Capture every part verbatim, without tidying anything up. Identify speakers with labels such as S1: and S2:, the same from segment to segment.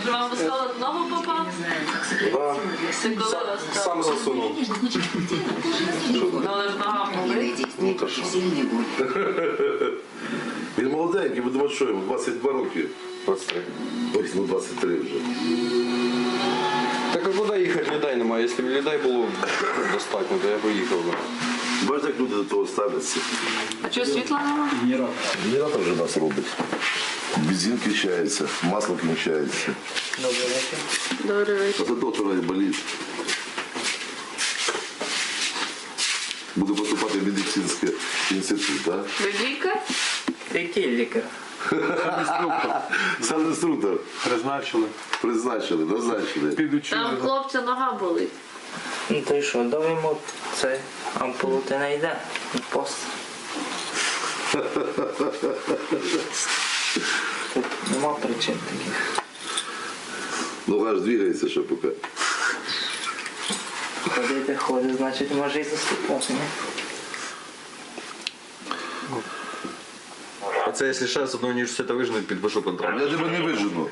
S1: Вже вам в осколок ногу попав?
S2: Да.
S1: Це коли
S2: Сам,
S1: вас так?
S2: сам засунув.
S1: Ну, але ж нога болить.
S2: Ну то що?
S3: Він молоденький, ви думаєте, що йому? двадцять два роки.
S2: двадцять три.
S3: Ось, ну двадцять три вже.
S2: Так а куди їхати, людей немає. Якщо б людей було достатньо, то я поїхав би.
S3: Бачите, як люди до того ставляться.
S1: А чого світла нема?
S3: Генератор вже нас робить. Бензин кінчається, масло кінчається.
S1: Добрий
S3: А
S1: вечір.
S3: це доктор болить. Буду поступати в медицинський інститут, так?
S1: Ви лікар?
S4: Який лікар?
S3: Сам інструктор.
S5: Призначили.
S3: Призначили, назначили.
S5: Підучили.
S1: Там хлопця нога болить.
S4: Ну то й що, дав йому цей ампулу ти не йде. Пост. Тут нема причин таких.
S3: Нога ж двигається ще поки.
S4: Ходити ходить, значить може і заступати, ні?
S2: А це якщо ще з одного університету виженуть, підпишу контракт.
S3: Я тебе не вижену.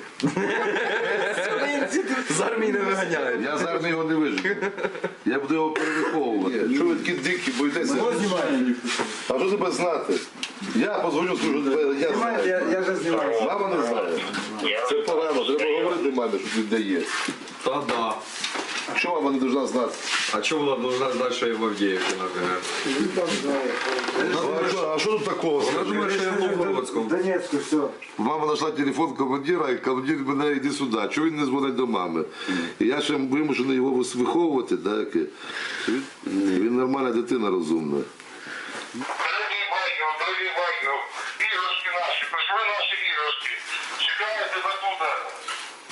S2: З армії не виганяють.
S3: Я з армії його не вижену. Я буду його перевиховувати. Що ви такі дикі, боїтеся? А що тебе знати? Я позвоню, скажу, тебе, я знаю.
S5: Я вже знімаю.
S3: Мама не знає. Це погано, треба говорити мамі, що він дає.
S2: Та да.
S3: Що мама не повинна знати?
S2: А чого вона должна знати, що я в Авдіївці, наприклад?
S3: А що, а що тут такого?
S2: Вона
S3: скажи?
S2: думає, що я в Новгородському.
S5: Донецьку, все.
S3: Мама знайшла телефон командира, і командир мене йди сюди. Чого він не дзвонить до мами? І я ще вимушений його виховувати, так? Він, він нормальна дитина, розумна.
S6: Дорогие батьків, дорогі батьків, іграшки наші, прийшли наші іграшки. Чекаю тебе тут.